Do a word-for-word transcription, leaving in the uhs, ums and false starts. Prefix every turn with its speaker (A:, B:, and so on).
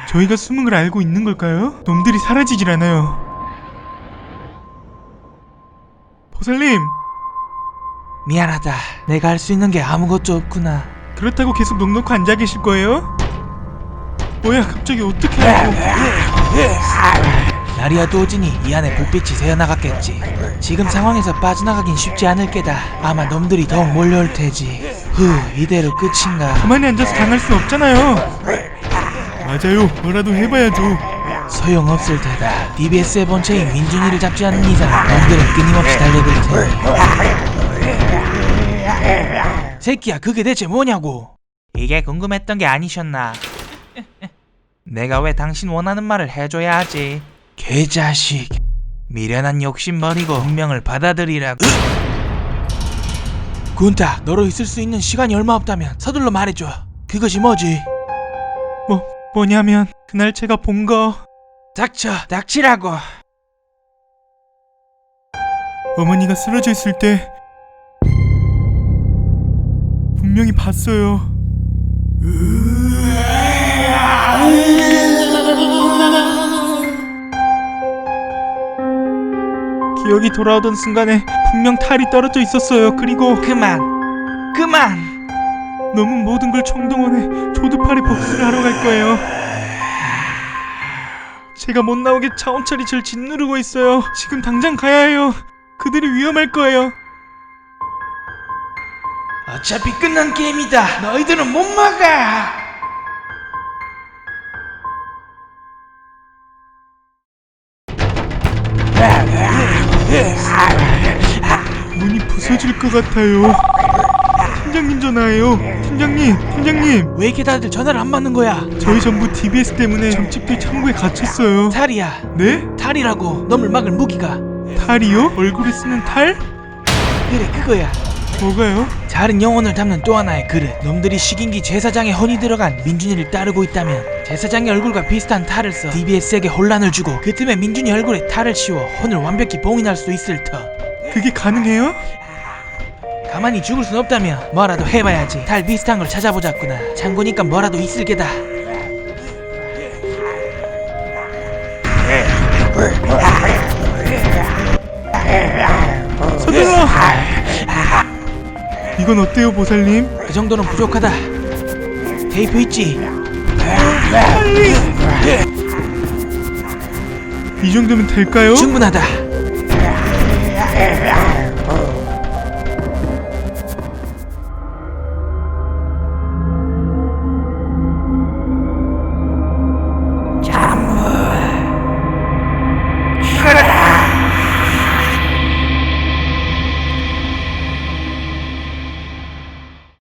A: 저희가 숨은 걸 알고 있는 걸까요? 놈들이 사라지질 않아요. 보살님!
B: 미안하다. 내가 할 수 있는 게 아무것도 없구나.
A: 그렇다고 계속 넋 놓고 앉아 계실 거예요? 뭐야 갑자기 어떻게 하고.
B: 날이 어두워지니 이 안에 불빛이 새어나갔겠지. 지금 상황에서 빠져나가긴 쉽지 않을 게다. 아마 놈들이 더욱 몰려올 테지. 후, 이대로 끝인가.
A: 가만히 앉아서 당할 순 없잖아요. 맞아요. 뭐라도 해봐야죠.
B: 소용없을 테다. 디비에스의 본체인 민준이를 잡지 않는 이상 놈들은 끊임없이 달려들 테니. 새끼야, 그게 대체 뭐냐고. 이게 궁금했던 게 아니셨나. 내가 왜 당신 원하는 말을 해줘야 하지. 개자식. 미련한 욕심 버리고 운명을 받아들이라고. 군타, 너로 있을 수 있는 시간이 얼마 없다면 서둘러 말해줘. 그것이 뭐지?
A: 뭐, 뭐냐면 그날 제가 본 거.
B: 닥쳐, 닥치라고.
A: 어머니가 쓰러져 있을 때 분명히 봤어요. 기억이 돌아오던 순간에 분명 탈이 떨어져 있었어요. 그리고
B: 그만, 그만.
A: 놈은 모든 걸 총동원해 조두팔이 복수를 하러 갈 거예요. 제가 못 나오게 차원철이 절 짓누르고 있어요. 지금 당장 가야 해요. 그들이 위험할 거예요.
B: 어차피 끝난 게임이다. 너희들은 못 막아.
A: 문이 부서질 것 같아요. 팀장님 전화예요. 팀장님, 팀장님.
B: 왜 이렇게 다들 전화를 안 받는 거야?
A: 저희 전부 디비에스 때문에 점집들 창고에 갇혔어요.
B: 탈이야.
A: 네?
B: 탈이라고. 놈을 막을 무기가.
A: 탈이요? 얼굴에 쓰는 탈?
B: 그래, 그거야.
A: 뭐가요?
B: 자른 영혼을 담는 또 하나의 그릇. 놈들이 식인기 제사장에 혼이 들어간 민준이를 따르고 있다면 제사장의 얼굴과 비슷한 탈을 써 디비에스에게 혼란을 주고 그 틈에 민준이 얼굴에 탈을 씌워 혼을 완벽히 봉인할 수 있을 터.
A: 그게 가능해요?
B: 가만히 죽을 순 없다면 뭐라도 해봐야지. 탈 비슷한 걸 찾아보자꾸나. 창고니까 뭐라도 있을 게다.
A: 서둘러! 이건 어때요, 보살님?
B: 그 정도는 부족하다. 테이프 있지?
A: 빨리! 이 정도면 될까요?
B: 충분하다.